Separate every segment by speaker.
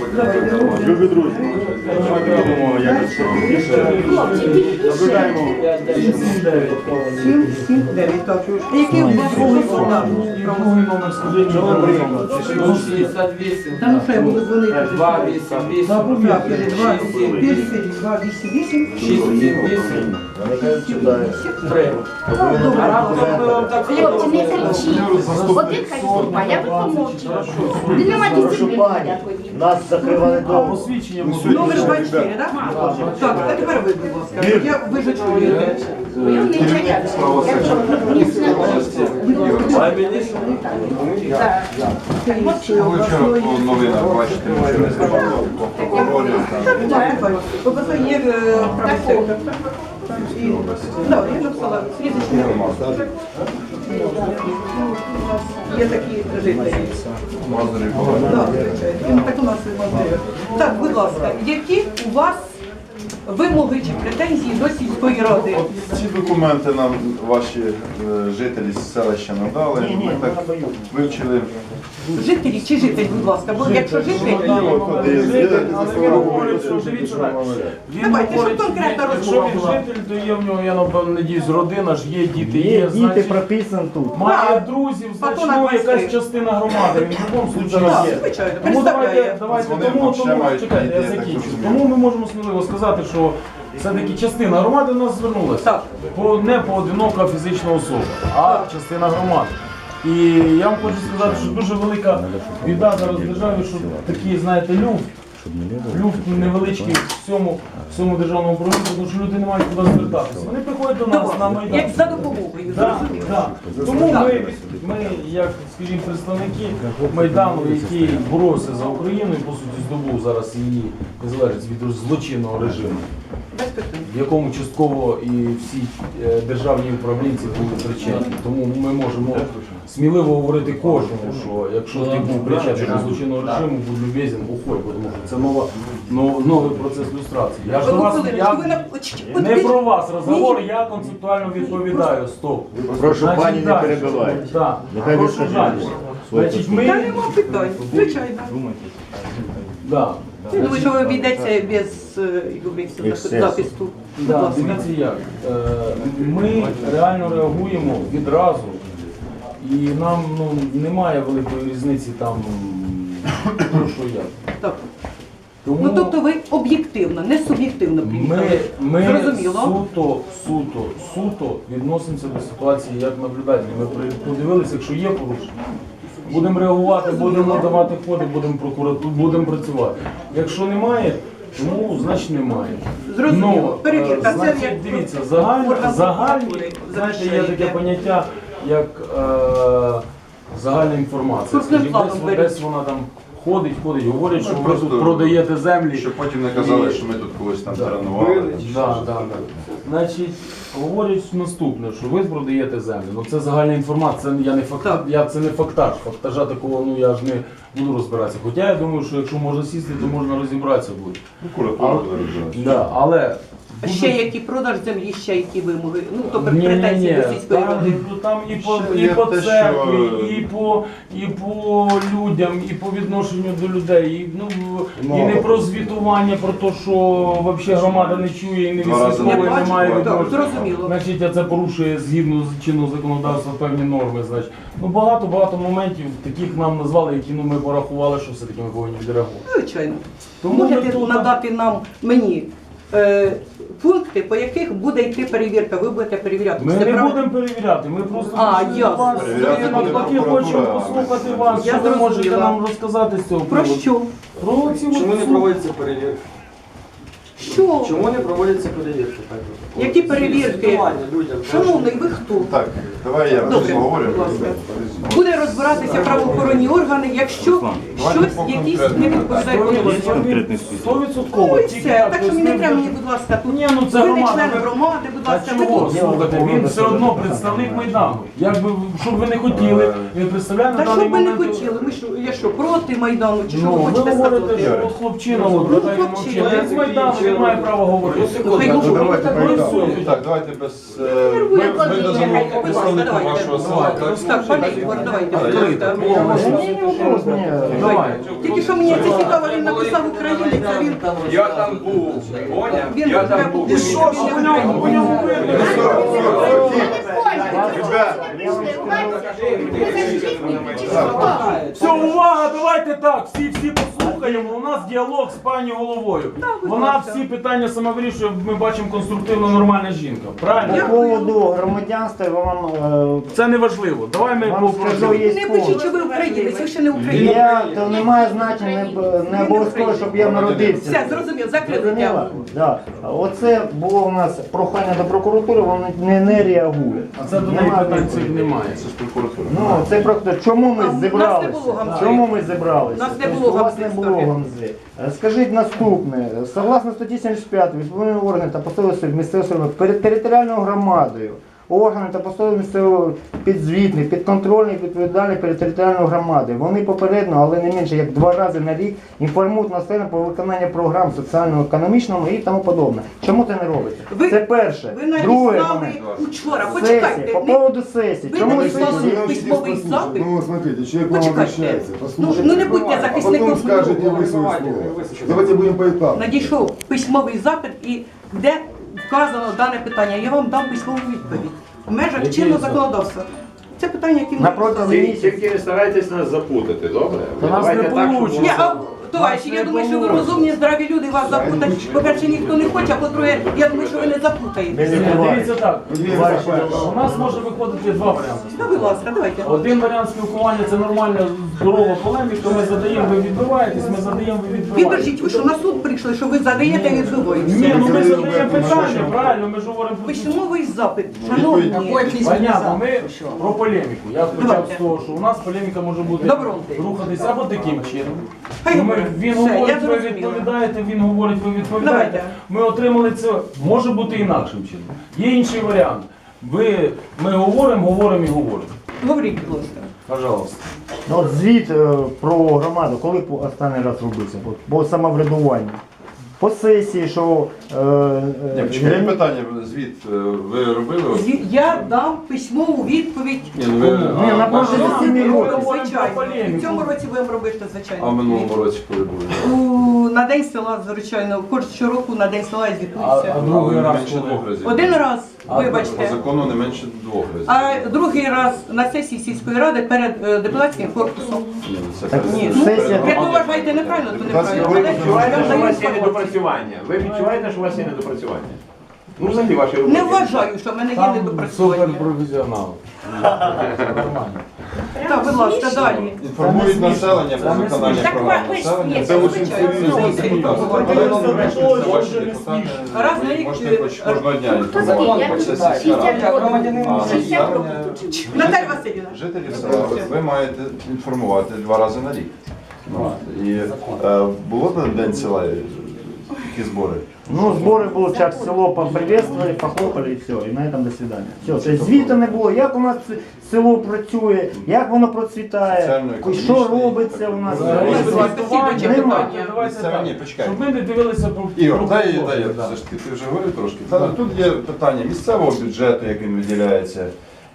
Speaker 1: Любі друзі, давайте робимо якось більше. Наблюдаємо.
Speaker 2: 7-9, так. Який у вас
Speaker 1: Правовий номер, скажіть, що ви прийняли?
Speaker 3: 68.
Speaker 2: Та ну хай буду дзвонити.
Speaker 3: 288.
Speaker 2: Так, 288.
Speaker 3: 678. 3. А раптом ми вам так
Speaker 4: Хлопці, не кричіть. Один хай виступає, а ви помовчіть. Ви не маєте дисципліни.
Speaker 5: Нас закривали дома.
Speaker 1: Посвідчення
Speaker 2: Номер 24, так? Так, а тепер ви, будь ласка. Ви ж чуєте.
Speaker 4: Я не чаяю.
Speaker 1: Вчора по новинах бачите, що не знімали прокурорів.
Speaker 2: Просто є правий сектор. Так, я написала слідчий. Є такі жителі.
Speaker 1: Мазурі
Speaker 2: Так, звичайно. Так у нас і Мазурі. Так, будь ласка, які у вас вимоги чи претензії до сільської ради?
Speaker 1: Ці документи нам ваші жителі з селища надали. Ми так вивчили.
Speaker 2: Жителі чи житель, будь ласка, бо якщо житель, давайте, щоб конкретна розмова
Speaker 6: Якщо він
Speaker 2: була.
Speaker 6: житель, то є в нього, я напевно надіюсь, родина ж є, діти є,
Speaker 5: Діти
Speaker 6: значить,
Speaker 5: прописані тут.
Speaker 6: має
Speaker 2: Так.
Speaker 6: друзів,
Speaker 2: Патона
Speaker 6: значить, ну, якась
Speaker 2: Василь.
Speaker 6: частина громади, він в будь-якому случаю
Speaker 2: Так,
Speaker 6: є.
Speaker 2: звичайно,
Speaker 6: Тому
Speaker 2: представляє.
Speaker 6: давайте,
Speaker 1: Вони
Speaker 6: тому,
Speaker 1: ще мають
Speaker 6: чекайте, я
Speaker 1: ідеї, так
Speaker 6: закінчу.
Speaker 1: розумію.
Speaker 6: Тому ми можемо сміливо сказати, що все-таки частина громади до нас звернулася.
Speaker 2: Так.
Speaker 6: Не поодинока фізична особа, а частина громади. І я вам хочу сказати, що дуже велика біда зараз в державі, що такий, знаєте, люфт невеличкий в цьому державному управлінні, тому що люди не мають куди звертатися. Вони приходять до нас на Майдан.
Speaker 2: Як за допомогою,
Speaker 6: Да,
Speaker 2: зрозуміло.
Speaker 6: да. Тому ми, як, скажімо, представники Майдану, який боровся за Україну і, по суті, здобув зараз її незалежність від злочинного режиму,
Speaker 2: Без питань.
Speaker 6: в якому частково і всі державні управлінці були причетні. Тому ми можемо сміливо говорити кожному, що якщо ти був причетний до злочинного режиму, будь любезен, уходь, бо тому що це новий процес люстрації. Я ж до вас, не про вас розговор, я концептуально відповідаю. Стоп.
Speaker 5: Прошу
Speaker 6: Значить,
Speaker 5: пані не
Speaker 6: далі.
Speaker 5: перебивайте.
Speaker 6: Так,
Speaker 5: Нехай
Speaker 6: прошу
Speaker 5: вискаже
Speaker 6: далі.
Speaker 5: своє
Speaker 6: Значить,
Speaker 2: Та
Speaker 6: ми...
Speaker 2: нема питань, звичайно.
Speaker 6: Да.
Speaker 2: Я думаю, що ви обійдеться без захисту. Будь
Speaker 6: Да,
Speaker 2: ласка.
Speaker 6: дивіться як. Ми реально реагуємо відразу, і нам немає великої різниці там, про що як.
Speaker 2: Так.
Speaker 6: Тому
Speaker 2: Ну тобто ви об'єктивно, не суб'єктивно приїхали.
Speaker 6: ми
Speaker 2: Зрозуміло.
Speaker 6: суто відносимося до ситуації як наблюдателі. Ми подивилися, якщо є порушення, будемо реагувати, будемо надавати ходи, будемо працювати. Якщо немає, тому значить немає.
Speaker 2: Зрозуміло. Перевірка. Це
Speaker 6: Значить,
Speaker 2: як
Speaker 6: дивіться,
Speaker 2: орган
Speaker 6: загальні,
Speaker 2: прокуратури
Speaker 6: знаєте, є
Speaker 2: захищаєте.
Speaker 6: таке поняття, як загальна інформація.
Speaker 2: Крупним
Speaker 6: Скажіть,
Speaker 2: планом беріть.
Speaker 6: десь вона там ходить, говорять, що ви
Speaker 1: просто-
Speaker 6: тут продаєте землі.
Speaker 1: Щоб потім не казали, що ми тут когось там тренували.
Speaker 6: Да. Значить, говорять наступне, що ви продаєте землю. Ну це загальна інформація, це я не фактаж, це не фактаж. Фактажа такого, я ж не буду розбиратися. Хоча я думаю, що якщо можна сісти, то можна розібратися буде.
Speaker 1: Прокуратура буде розбиратися.
Speaker 6: Да, але
Speaker 2: ще які продаж землі, ще які вимоги. Ну тобто
Speaker 6: Ні,
Speaker 2: претензії
Speaker 6: ні,
Speaker 2: до сільської ради.
Speaker 6: там і по,
Speaker 1: Ще
Speaker 6: і
Speaker 1: є
Speaker 6: по
Speaker 1: те,
Speaker 6: церкві,
Speaker 1: що-
Speaker 6: і по людям, і по відношенню до людей. І не про звітування, про те, що взагалі громада не чує і не
Speaker 1: Два рази
Speaker 6: відслідковує,
Speaker 2: не
Speaker 6: немає
Speaker 2: бачить, так,
Speaker 6: відношення.
Speaker 2: зрозуміло.
Speaker 6: Значить, це порушує згідно з чинного законодавства певні норми. Значить. Багато моментів таких нам назвали, які ми порахували, що все-таки ми повинні відреагувати.
Speaker 2: Звичайно.
Speaker 6: Тому ми
Speaker 2: Можете
Speaker 6: тут-
Speaker 2: надати мені пункти, по яких буде йти перевірка, ви будете перевіряти.
Speaker 6: Ми
Speaker 2: Це
Speaker 6: не
Speaker 2: прав-
Speaker 6: будемо перевіряти, ми просто
Speaker 2: А,
Speaker 6: хочемо
Speaker 2: ясно.
Speaker 6: вас,
Speaker 1: Перевіряти
Speaker 6: ми
Speaker 1: буде
Speaker 6: навпаки
Speaker 1: прокуратура.
Speaker 6: хочемо послухати вас,
Speaker 2: Я
Speaker 6: що ви можете
Speaker 2: зрозуміла.
Speaker 6: нам розказати з цього
Speaker 2: Про
Speaker 6: приводу.
Speaker 2: що?
Speaker 6: Про ці
Speaker 3: Чому
Speaker 6: от
Speaker 3: не проводяться перевірки?
Speaker 2: Що?
Speaker 3: Чому не проводяться перевірки?
Speaker 2: Які перевірки?
Speaker 3: Звітування людям.
Speaker 2: Шановний, ви хто?
Speaker 1: Так, давай я
Speaker 2: Добре,
Speaker 1: поговорю.
Speaker 2: будь ласка. Буде розбиратися правоохоронні органи, якщо щось, якісь не відповідає повноваженням.
Speaker 6: 100%.
Speaker 2: Ну і
Speaker 6: Тільки
Speaker 2: все.
Speaker 6: так,
Speaker 2: Так що мені не треба мені, будь ласка, тут.
Speaker 6: Ні, ну це
Speaker 2: Ви не
Speaker 6: громада,
Speaker 2: член
Speaker 6: ви-
Speaker 2: громади, будь
Speaker 6: А
Speaker 2: ласка, ви
Speaker 6: чого?
Speaker 2: тут.
Speaker 6: Слухайте, він все одно представник Майдану. Якби, щоб ви не хотіли, він представляє на
Speaker 2: Та
Speaker 6: даний
Speaker 2: що б ви не
Speaker 6: момент...
Speaker 2: хотіли? Ми що, я що, проти Майдану, чи що
Speaker 6: Ну,
Speaker 2: ви
Speaker 6: ви
Speaker 2: хочете
Speaker 6: говорите,
Speaker 2: сказати?
Speaker 6: що от хлопчина, от,
Speaker 2: Ну,
Speaker 6: питання
Speaker 2: хлопчина,
Speaker 6: мовчить. Він з Майдану, він має право говорити.
Speaker 1: Так, давайте без...
Speaker 4: Нервує
Speaker 1: Ми
Speaker 4: кожен,
Speaker 1: дамо
Speaker 4: нехай
Speaker 1: представнику
Speaker 2: давайте.
Speaker 1: вашого села.
Speaker 2: Так, пане Ігор, давайте.
Speaker 6: Давай.
Speaker 2: Тільки що мені це цікаво, він написав українець, а він...
Speaker 7: Я там був, поняв?
Speaker 2: Він
Speaker 7: Я там був.
Speaker 2: І що ж по ньому?
Speaker 6: Все, увага, давайте так, всі послухаємо. У нас діалог з пані головою. Вона всі питання сама вирішує, ми бачимо конструктивно нормальна жінка. Правильно?
Speaker 5: По поводу громадянства вам
Speaker 6: Це не важливо. Давай ми
Speaker 5: вам скажу,
Speaker 6: попросимо.
Speaker 5: є
Speaker 2: Не пишіть, що ви українець, ви ще не українець.
Speaker 5: то немає значення, не обов'язково, щоб я народився.
Speaker 2: Все, зрозумів, закрили
Speaker 5: Зрозуміла?
Speaker 2: тему.
Speaker 5: Да. Оце було у нас прохання до прокуратури, вони не реагують.
Speaker 6: А це до неї
Speaker 5: Немає
Speaker 6: питань
Speaker 5: відповіді.
Speaker 6: цих немає.
Speaker 1: Це ж прокуратура.
Speaker 5: Ну, це просто чому ми
Speaker 2: А в нас не
Speaker 5: зібралися?
Speaker 2: було гамзи.
Speaker 5: Чому ми зібралися?
Speaker 2: Нас не
Speaker 5: Тобто
Speaker 2: було
Speaker 5: у вас не
Speaker 2: гамзи
Speaker 5: було
Speaker 2: історії.
Speaker 5: гамзи. Скажіть наступне. Согласно статті 75, відповідні органи та посадові особи місцевого самоврядування перед територіальною громадою, органи та посадові місцевого підзвітні, підконтрольні, відповідальні перед територіальною громадою. Вони попередньо, але не менше як 2 рази на рік інформують населення про виконання програм соціально-економічного і тому подобне. Чому це не робиться?
Speaker 2: Ви-
Speaker 5: Це перше.
Speaker 2: Ви
Speaker 5: Друге
Speaker 2: надіслали
Speaker 5: момент.
Speaker 2: учора,
Speaker 5: Сесії.
Speaker 2: почекайте.
Speaker 5: По
Speaker 2: не-
Speaker 5: поводу сесії.
Speaker 2: Ви
Speaker 5: Чому
Speaker 2: надіслали
Speaker 5: сесії?
Speaker 2: письмовий запит.
Speaker 8: Ну, смотрите, человек вам
Speaker 2: Почекайте.
Speaker 8: обращается,
Speaker 2: Ну,
Speaker 8: послушайте.
Speaker 2: ну не будьте
Speaker 8: А
Speaker 2: захисником.
Speaker 8: потом скажете вы свое слово. Давайте будем поэтапно.
Speaker 2: Надійшов письмовий запит і де вказано дане питання. Я вам дам письмову відповідь. В межах
Speaker 6: Який
Speaker 2: чинного
Speaker 6: запит?
Speaker 2: законодавства. Це питання, які
Speaker 5: На протязі місяця.
Speaker 7: Тільки не старайтесь нас запутати, добре?
Speaker 6: Та нас не получиться.
Speaker 2: Ні, а товариші, я думаю, що ви розумні, здраві люди, вас запутать. По-перше, ніхто не хоче, а по-друге, я думаю, що ви не запутаєте.
Speaker 6: Дивіться так, у нас може виходити 2 варіанти.
Speaker 2: Ну, будь ласка, давайте.
Speaker 6: Один варіант спілкування це нормальна здорова полеміка, ми задаємо, ви відбиваєтесь, ми задаємо, ви відбиваєтесь.
Speaker 2: Підождіть, ви що на суд прийшли, що ви задаєте
Speaker 6: Ні,
Speaker 2: відбиваєте?
Speaker 6: ну ми задаємо питання, правильно, ми ж говоримо про цю.
Speaker 2: Письмовий запит, шановні.
Speaker 6: Понятно, ми про полеміку. Я почав
Speaker 2: Давайте.
Speaker 6: з того, що у нас полеміка може бути
Speaker 2: Добро.
Speaker 6: рухатися або таким чином.
Speaker 2: Хай
Speaker 6: Що
Speaker 2: говорить.
Speaker 6: він
Speaker 2: Все,
Speaker 6: говорить,
Speaker 2: я
Speaker 6: ви
Speaker 2: зрозуміла.
Speaker 6: відповідаєте, він говорить, ви відповідаєте.
Speaker 2: Давайте.
Speaker 6: Ми отримали це, може бути інакшим чином. Є інший варіант. Ми говоримо і говоримо.
Speaker 2: Говоріть, будь ласка.
Speaker 6: Пожалуйста.
Speaker 5: Ну, от звіт про громаду, коли останній раз робився? По самоврядуванню. По сесії, що...
Speaker 1: Ні, почекайте, питання, звіт ви робили?
Speaker 2: Я дам письмову відповідь.
Speaker 1: Ні, ну ви...
Speaker 5: Ні, на протязі 7
Speaker 6: Ми
Speaker 5: років.
Speaker 6: говоримо про
Speaker 2: Звичайно.
Speaker 6: полеміку.
Speaker 2: В цьому році будемо робити,
Speaker 1: А в
Speaker 2: звичайно.
Speaker 1: минулому році коли були?
Speaker 2: На День села, звичайно, щороку на День села я
Speaker 6: А
Speaker 2: звітуюся.
Speaker 6: другий
Speaker 1: Не
Speaker 6: раз
Speaker 1: менше
Speaker 6: коли?
Speaker 1: 2 разів.
Speaker 2: Один раз,
Speaker 6: А,
Speaker 1: По
Speaker 2: вибачте.
Speaker 1: закону не менше 2 разів.
Speaker 2: А другий раз на сесії сільської ради перед депутатським корпусом.
Speaker 1: Ні, ну це
Speaker 5: Так,
Speaker 2: Ні,
Speaker 5: ну, сесія...
Speaker 2: як ви вважаєте неправильно, то неправильно.
Speaker 1: Ви
Speaker 2: Але
Speaker 7: Відчуваєте,
Speaker 2: я
Speaker 7: що у
Speaker 2: даю
Speaker 7: вас є
Speaker 2: інформацію.
Speaker 7: недопрацювання? Ви відчуваєте, що у вас є недопрацювання? Ну, взагалі ваші роботи.
Speaker 2: Не вважаю, що в мене є
Speaker 6: Там
Speaker 2: недопрацювання.
Speaker 6: суперпрофесіонал. Нормально.
Speaker 2: Так, будь ласка, далі.
Speaker 1: інформують населення про виконання
Speaker 4: Так
Speaker 1: програм
Speaker 4: ви ж
Speaker 1: населення.
Speaker 4: є,
Speaker 1: Це дуже
Speaker 2: звичайно.
Speaker 1: серйозно.
Speaker 2: Це
Speaker 1: депутати. Але ну, врешті, це ваші депутати.
Speaker 2: Раз на
Speaker 1: Ви
Speaker 2: рік,
Speaker 1: можете хоч кожного дня
Speaker 4: Хто
Speaker 1: інформувати
Speaker 4: такий?
Speaker 1: про це
Speaker 4: Я
Speaker 1: сільська рада.
Speaker 4: 60 років.
Speaker 1: А
Speaker 4: 60 років
Speaker 1: населення,
Speaker 4: тут.
Speaker 2: Наталя Васильівна.
Speaker 1: жителів села ви маєте інформувати 2 рази на рік. Ну, і було на День села які збори?
Speaker 5: Ну, збори були, час село поприветствовали, похлопали і все, і на цьому до свидання. Все, тобто звіту не було, як у нас село працює, як воно процвітає,
Speaker 1: Соціально-економічний
Speaker 5: що робиться у нас.
Speaker 1: Давайте,
Speaker 2: слідуюче
Speaker 5: Нема.
Speaker 2: питання.
Speaker 6: Давайте
Speaker 1: Місцеве, ні,
Speaker 6: так,
Speaker 1: почекай.
Speaker 6: щоб ми не дивилися про
Speaker 1: Ігор, дай
Speaker 6: роботу, да.
Speaker 1: все ж таки, ти вже говорив трошки. Тут є питання місцевого бюджету, як він виділяється,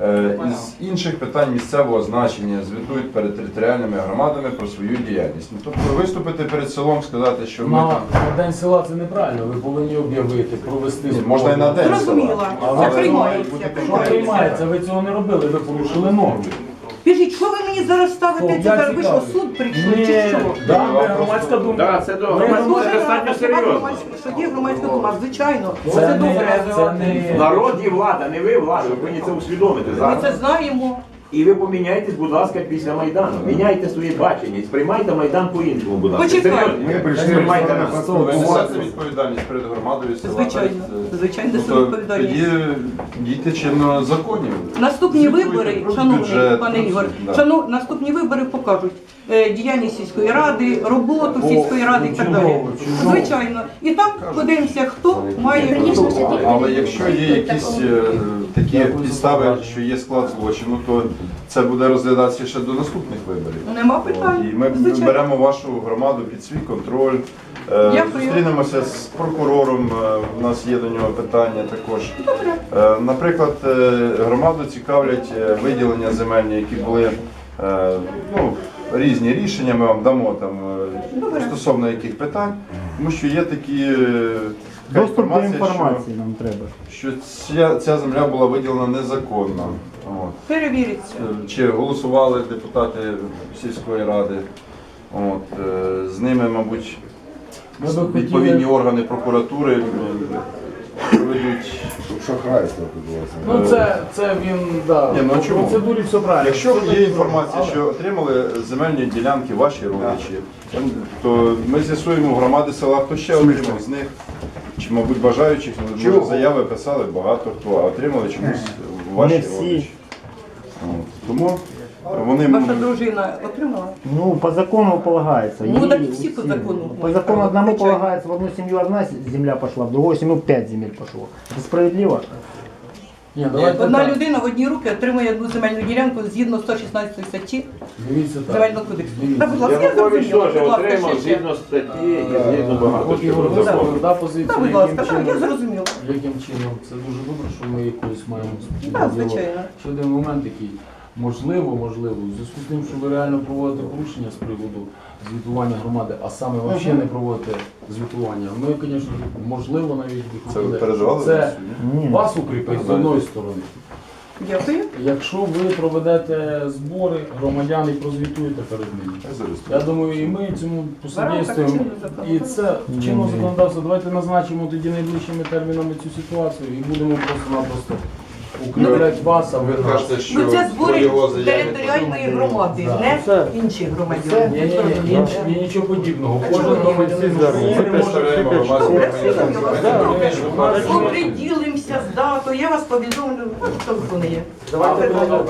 Speaker 1: із інших питань місцевого значення, звітують перед територіальними громадами про свою діяльність. Ну, тобто виступити перед селом, сказати, що ми
Speaker 6: На
Speaker 1: там...
Speaker 6: на День села це неправильно, ви повинні об'явити, провести
Speaker 1: Ні, можна і на День
Speaker 2: Зрозуміла.
Speaker 1: села.
Speaker 2: Це
Speaker 1: Але
Speaker 2: приймається.
Speaker 1: бути
Speaker 6: Що
Speaker 1: конкретно.
Speaker 6: приймається? Ви цього не робили, ви порушили норми.
Speaker 2: Скажіть, що ви мені зараз ставите?
Speaker 6: О,
Speaker 2: Це
Speaker 6: я
Speaker 2: зараз ви що,
Speaker 6: цікавий.
Speaker 2: суд прийшли
Speaker 6: Ні,
Speaker 2: чи що?
Speaker 6: да, ми громадська думка.
Speaker 7: Так, це добре.
Speaker 6: Ми
Speaker 2: Дуже
Speaker 7: Це достатньо
Speaker 2: рада, що
Speaker 7: серйозно.
Speaker 2: що є громадська дума, звичайно.
Speaker 6: Це
Speaker 2: Це
Speaker 6: не,
Speaker 2: добре.
Speaker 6: це не...
Speaker 7: Народ і влада, не ви влада, ви повинні це усвідомити
Speaker 2: Ми
Speaker 7: зараз.
Speaker 2: це знаємо.
Speaker 7: І ви поміняйтесь, будь ласка, після Майдану. Міняйте своє бачення, сприймайте Майдан по-іншому, будь ласка.
Speaker 2: Почекайте.
Speaker 7: Серйозно.
Speaker 8: Мы пришли
Speaker 7: Сприймайте нас.
Speaker 1: Ви несете відповідальність перед громадою села.
Speaker 2: Звичайно.
Speaker 1: перед,
Speaker 2: Звичайно,
Speaker 1: тобто,
Speaker 2: несу відповідальність.
Speaker 1: Тоді дійте чинно законів.
Speaker 2: Наступні
Speaker 1: Звітуйте
Speaker 2: вибори,
Speaker 1: про
Speaker 2: шановний
Speaker 1: бюджет,
Speaker 2: пане
Speaker 1: про
Speaker 2: Ігор,
Speaker 1: все, да.
Speaker 2: наступні вибори покажуть діяльність сільської ради, роботу сільської ради і так далі.
Speaker 6: чудово, чудово.
Speaker 2: Звичайно. І там подивимося, хто має
Speaker 4: Звісно,
Speaker 2: хто.
Speaker 4: все
Speaker 1: Але якщо є якісь такі підстави, що є склад злочину, то це буде розглядатися ще до наступних виборів.
Speaker 2: Нема питань.
Speaker 1: І ми
Speaker 2: Звичайно.
Speaker 1: беремо вашу громаду під свій контроль,
Speaker 2: Дякую.
Speaker 1: Зустрінемося з прокурором, у нас є до нього питання також. Наприклад, громаду цікавлять виділення земельні, які були ну, різні рішення, ми вам дамо там стосовно яких питань, тому що є такі така
Speaker 5: Доступ до інформації нам треба.
Speaker 1: що ця земля була виділена незаконно. От.
Speaker 2: Перевіриться.
Speaker 1: Чи голосували депутати сільської ради. От, з ними, мабуть,
Speaker 6: Ми би
Speaker 1: відповідні
Speaker 6: хотіли,
Speaker 1: органи прокуратури проведуть.
Speaker 8: Шахрайство відбулося.
Speaker 6: ну це він, да,
Speaker 1: Ні, ну,
Speaker 6: по
Speaker 1: чому?
Speaker 6: процедурі все правильно.
Speaker 1: Якщо є інформація, що отримали земельні ділянки ваші родичі, то ми з'ясуємо в громади села, хто ще отримав з них. Чи, мабуть, бажаючих, може, заяви писали багато хто, а отримали чомусь ваші
Speaker 5: Не всі.
Speaker 1: родичі. От. Тому вони
Speaker 2: Ваша дружина отримала?
Speaker 5: Ну, по закону полагается.
Speaker 2: Ну,
Speaker 5: Ей-
Speaker 2: так и все по закону.
Speaker 5: По закону одному
Speaker 2: Звичайно.
Speaker 5: полагается, в одну семью одна земля пошла, в другую семью 5 земель пошло. Это справедливо?
Speaker 6: Ні, давайте
Speaker 2: Одна
Speaker 6: так.
Speaker 2: людина в одні руки отримує одну земельну ділянку згідно 116 статті
Speaker 6: Дивіться так.
Speaker 2: Земельного кодексу.
Speaker 6: Дивіться.
Speaker 2: Та, будь ласка, я
Speaker 7: Янукович
Speaker 2: зрозуміла.
Speaker 7: теж
Speaker 2: Будь ласка,
Speaker 7: отримав
Speaker 2: ще.
Speaker 7: згідно статті і згідно багато
Speaker 6: От
Speaker 7: чого
Speaker 6: Ігор
Speaker 7: закону.
Speaker 6: висловив, да, позицію,
Speaker 2: Та, будь
Speaker 6: яким
Speaker 2: ласка, так, я
Speaker 6: чином,
Speaker 2: зрозуміла.
Speaker 6: яким чином. Це дуже добре, що ми якось маємо спільний
Speaker 2: Так,
Speaker 6: діалог.
Speaker 2: звичайно.
Speaker 6: Ще один момент який. Можливо, в зв'язку з тим, що ви реально проводите порушення з приводу звітування громади, а саме взагалі не проводите звітування, ми, звісно, можливо, навіть би
Speaker 1: це ви
Speaker 6: хотіли,
Speaker 1: передавали
Speaker 6: це
Speaker 1: до суду?
Speaker 5: Ні.
Speaker 6: вас укріпить з одної сторони.
Speaker 2: Дякую.
Speaker 6: Якщо ви проведете збори громадян і прозвітуєте перед ними. Я думаю, і ми цьому посодействуємо. І це чинно законодавство. Давайте назначимо тоді найближчими термінами цю ситуацію і будемо просто-напросто укріпляти вас, а ви
Speaker 1: Ви
Speaker 6: нас.
Speaker 1: кажете, що
Speaker 2: Ну це збори
Speaker 1: його заяви-
Speaker 2: територіальної громади,
Speaker 6: Да.
Speaker 2: не інших громадян.
Speaker 6: Ні, нічого подібного. Кожен громадянин
Speaker 1: Ми
Speaker 6: України може
Speaker 1: представляємо громадську
Speaker 2: Добре,
Speaker 1: організацію.
Speaker 2: Оприділимося з датою, я вас повідомлю, хто не є.
Speaker 6: Давайте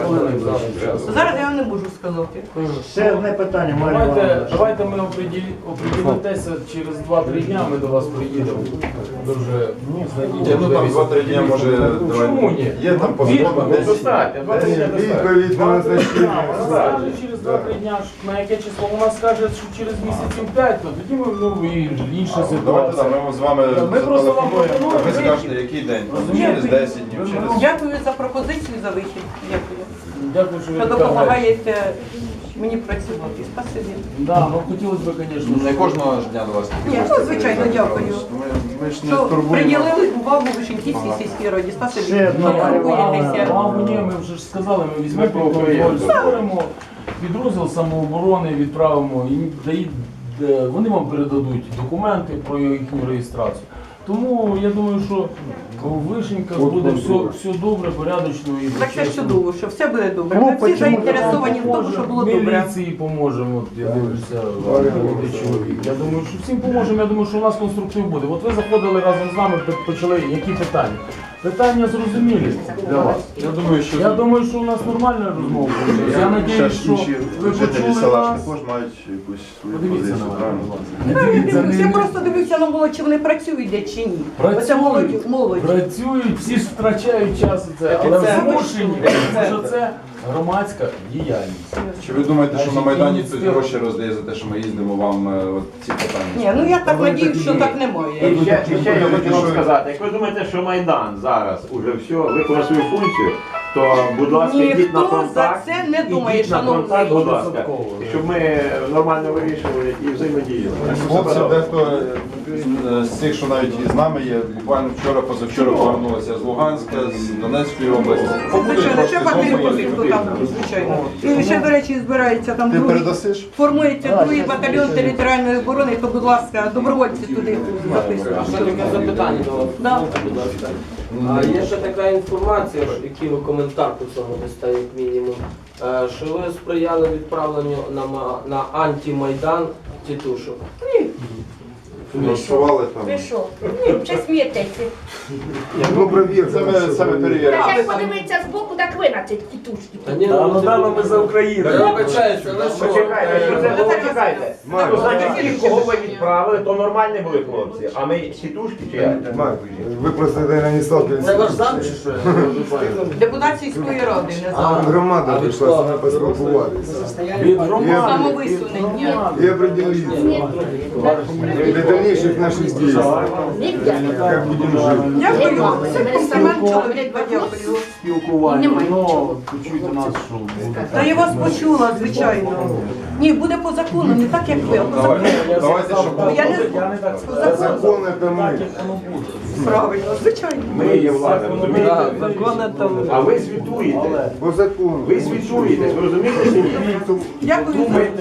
Speaker 2: Зараз я не можу сказати.
Speaker 5: Ще одне питання, Марія Івановна.
Speaker 6: Давайте ми оприділитеся через 2-3 дня, ми до вас приїдемо. Дуже
Speaker 1: Ні, ну там 2-3 дні може
Speaker 6: Чому ні?
Speaker 1: Є там по
Speaker 6: Відповідь
Speaker 1: закону 10 днів.
Speaker 7: Достатньо, 20 днів достатньо.
Speaker 8: Відповідь на назначення.
Speaker 6: Скаже через 2-3 дня, на яке число вона скаже, що через місяців 5, то тоді ми і інша
Speaker 1: Давайте
Speaker 6: ситуація.
Speaker 1: там, ми з вами
Speaker 6: Ми просто вам
Speaker 1: зателефонуємо, а ви
Speaker 6: пропонуємо
Speaker 1: скажете, який день.
Speaker 6: Розумієте?
Speaker 1: Через 10 днів, через...
Speaker 2: Дякую за пропозицію, за вихід. Дякую.
Speaker 6: Дякую, що ви
Speaker 2: Що
Speaker 6: така граєте.
Speaker 2: допомагаєте мені працювати. Спасибі.
Speaker 6: Да, ну хотілося б, звісно,
Speaker 1: Не кожного ж дня до вас.
Speaker 2: Ні, ну, звичайно, дякую.
Speaker 1: Ми ж не
Speaker 2: Що
Speaker 1: турбуємо.
Speaker 2: приділили увагу Вишеньківській сільській раді. Спасибі.
Speaker 5: Ще одна
Speaker 2: Не
Speaker 5: Марія
Speaker 2: турбуєтеся.
Speaker 6: Мабуть, ні, ми вже ж сказали, ми візьмемо
Speaker 7: Ми
Speaker 6: під контроль,
Speaker 7: поговоримо.
Speaker 6: створимо підрозділ самооборони, відправимо, і вони вам передадуть документи про їхню реєстрацію. Тому я думаю, що у Вишеньках буде все добре, порядочно і
Speaker 2: Так це ж
Speaker 6: чесно.
Speaker 2: чудово, що все буде добре.
Speaker 5: Ну,
Speaker 2: Ми всі
Speaker 5: почему?
Speaker 2: заінтересовані в тому, щоб було добре.
Speaker 6: Міліції поможемо, от я дивлюся, молодий чоловік. Я думаю, що всім поможемо, я думаю, що у нас конструктив буде. От ви заходили разом з нами, почали, які питання? Питання зрозумілі для вас. Я думаю, що у нас нормальна розмова буде. Я сподіваюся, що ви
Speaker 1: жителі
Speaker 6: почули
Speaker 1: села ж
Speaker 6: нас.
Speaker 1: також мають якусь свою
Speaker 6: Подивіться
Speaker 1: позицію,
Speaker 6: на
Speaker 1: правильно?
Speaker 6: мене. Дивіться,
Speaker 2: Я просто дивився на молодь, чи вони працюють де чи ні. Оце молодь.
Speaker 6: Працюють, всі ж втрачають час у це, але
Speaker 2: це
Speaker 6: змушені, тому що це громадська діяльність.
Speaker 1: Чи ви думаєте, що на
Speaker 6: Значить,
Speaker 1: Майдані хтось
Speaker 6: ініціатива.
Speaker 1: гроші роздає за те, що ми їздимо вам от ці питання?
Speaker 2: Ні, ну я так надіюсь, що так немає.
Speaker 7: І ще я хочу вам сказати, як ви думаєте, що Майдан зараз уже все виконав свою функцію, то, будь ласка, йдіть на
Speaker 2: Ніхто за
Speaker 7: контакт,
Speaker 2: це не думає,
Speaker 7: ідіть на контакт,
Speaker 2: шановний.
Speaker 7: будь ласка, щоб ми нормально вирішували і взаємодіяли.
Speaker 1: Хлопці, дехто з цих, що навіть із нами є, буквально вчора, позавчора повернулися з Луганська, з Донецької області. Побудуть
Speaker 2: Звичайно,
Speaker 1: трошки
Speaker 2: ще папір
Speaker 1: знову
Speaker 2: поки хто там, звичайно. І ще, до речі, збирається там
Speaker 1: Ти
Speaker 2: другий.
Speaker 1: передасиш?
Speaker 2: Формується другий батальйон територіальної оборони, то, будь ласка, добровольці туди записують.
Speaker 3: Ще таке запитання до вас.
Speaker 2: Да.
Speaker 3: Будь ласка. А є ще така інформація, який ви коментар по цьому дасте, як мінімум, що ви сприяли відправленню на антимайдан тітушок.
Speaker 1: Влаштували там.
Speaker 4: Ви що? Ні, чи смієтеся?
Speaker 8: Ну, провір.
Speaker 1: Це ми перевіримо.
Speaker 4: Як подивитися збоку, так ви на ці тітушки.
Speaker 3: Та ні,
Speaker 6: ми за Україну.
Speaker 3: Я вибачаюся, але що?
Speaker 7: Почекайте, що це було, чекайте. Ну, значить, ті, кого ви відправили, то нормальні були хлопці, а ми сітушки чи як?
Speaker 8: Марк, ви просто, наверное, не сталкивались.
Speaker 3: Це ваш зам чи що?
Speaker 2: Депутат сільської ради, не
Speaker 8: Там
Speaker 2: знаю.
Speaker 8: громада прийшла, саме поспілкувалися.
Speaker 6: Від громади.
Speaker 2: Самовисунення.
Speaker 8: І определилися. Для того, дальнейших наших действий. Как будем жить.
Speaker 2: Дякую. Це комплімент чоловік, дякую.
Speaker 6: Спілкування,
Speaker 4: Немає
Speaker 6: ну,
Speaker 4: нічого.
Speaker 6: почуйте нас, що буде.
Speaker 2: Та я вас почула, звичайно. Ні, буде по закону, не так, як ви, а по закону.
Speaker 1: Давайте, щоб
Speaker 2: Я не
Speaker 6: Я не так
Speaker 2: по
Speaker 6: сказав.
Speaker 2: закону.
Speaker 8: Закон это мы.
Speaker 6: Воно буде.
Speaker 2: Правильно, звичайно.
Speaker 7: Ми є влада, розумієте?
Speaker 3: Так, закони там.
Speaker 7: А ви звітуєте.
Speaker 8: По закону.
Speaker 7: Ви звітуєтесь, ви розумієте чи ні?
Speaker 2: Дякую.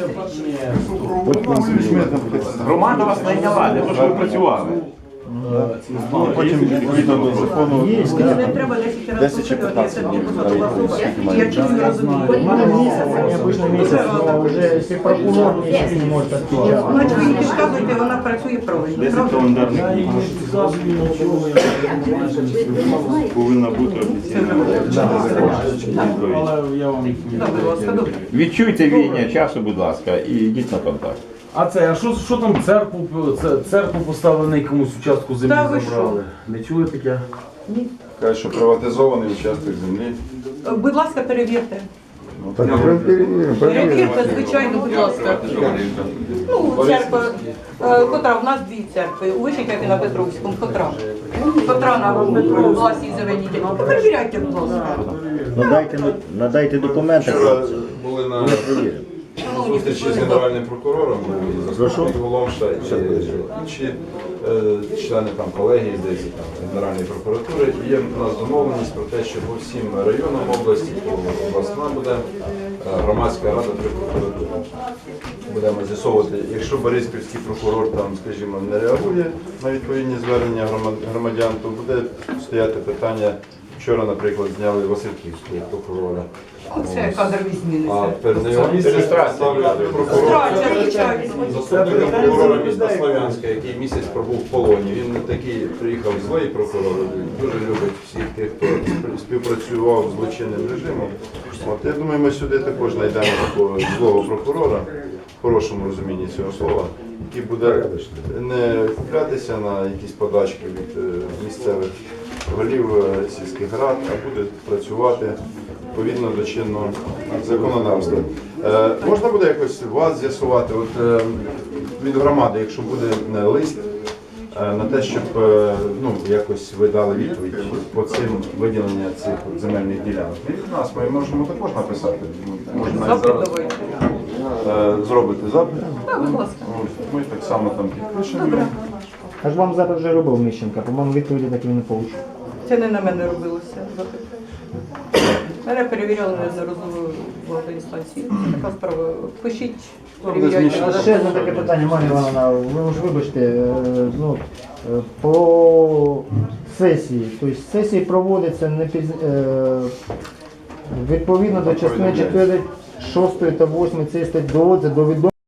Speaker 7: Громада вас найняла для того, щоб ви працювали.
Speaker 1: потім відповідно до закону.
Speaker 2: Не треба 10 разів повторювати, я це не посадова особа. І я чую, розумію.
Speaker 5: Обычно месяц, но уже если прокурор месяц не может отвечать.
Speaker 2: Значить, ви їй підказуєте, вона працює правильно. правда?
Speaker 6: Я їм не підказую нічого, я
Speaker 9: Повинна бути офіційна відповідь.
Speaker 6: але я вам
Speaker 2: Добре, будь ласка, добре.
Speaker 7: Відчуйте війня часу, будь ласка, і йдіть на контакт.
Speaker 6: А це, а що там церкву поставили на якомусь участку землі
Speaker 2: Та ви
Speaker 6: забрали? Не чули таке?
Speaker 1: Кажуть, що приватизований участок землі.
Speaker 2: Будь ласка, перевірте.
Speaker 8: Так, проверим.
Speaker 2: Перевірте, звичайно, будь ласка. Ну, церква, котра, в нас дві церкви, у Вишеньках і на Петровському, котра. Котра на власній заведітелі. Перевіряйте, будь ласка.
Speaker 9: Надайте документи.
Speaker 1: Вчора були на
Speaker 2: Шановні,
Speaker 1: зустрічі з генеральним прокурором, були заступник Голомша і інші члени там колегії, здається, там Генеральної прокуратури. І є в нас домовленість про те, що по всім районам області, то обласна буде громадська рада при прокуратурі. Будемо з'ясовувати, якщо Бориспільський прокурор там, скажімо, не реагує на відповідні звернення громадян, то буде стояти питання. Вчора, наприклад, зняли Васильківського прокурора.
Speaker 2: Це кадрові зміни.
Speaker 1: А ставлять прокурора,
Speaker 2: Люстрація, звичайно.
Speaker 1: заступника прокурора міста Слов'янська, який місяць пробув в полоні. Він не такий приїхав злий прокурор, дуже любить всіх тих, хто співпрацював з злочинним режимом. От, я думаю, ми сюди також знайдемо такого злого прокурора, в хорошому розумінні цього слова, який буде не куплятися на якісь подачки від місцевих голів сільських рад, а буде працювати відповідно до чинного законодавства. Можна буде якось вас з'ясувати від громади, якщо буде лист на те, щоб якось ви дали відповідь по цим виділенням цих земельних ділянок. І від нас ми можемо також написати. Можна навіть
Speaker 2: Запит
Speaker 1: зараз
Speaker 2: давайте.
Speaker 1: зробити запит.
Speaker 2: Так, будь ласка.
Speaker 1: Ми так само там підпишемо.
Speaker 2: Добре.
Speaker 5: Аж вам запит вже робив Міщенка, по-моєму, відповіді так і не отримав.
Speaker 2: Це не на мене робилося запит. Мене перевіряли неодноразово в інстанції. Це така справа. Пишіть, перевіряйте.
Speaker 5: А ще одне таке питання, Марія Івановна, ви ж вибачте, по сесії. Тобто сесії проводяться не відповідно до частини 4, 6 та 8 цієї статті доводиться до відома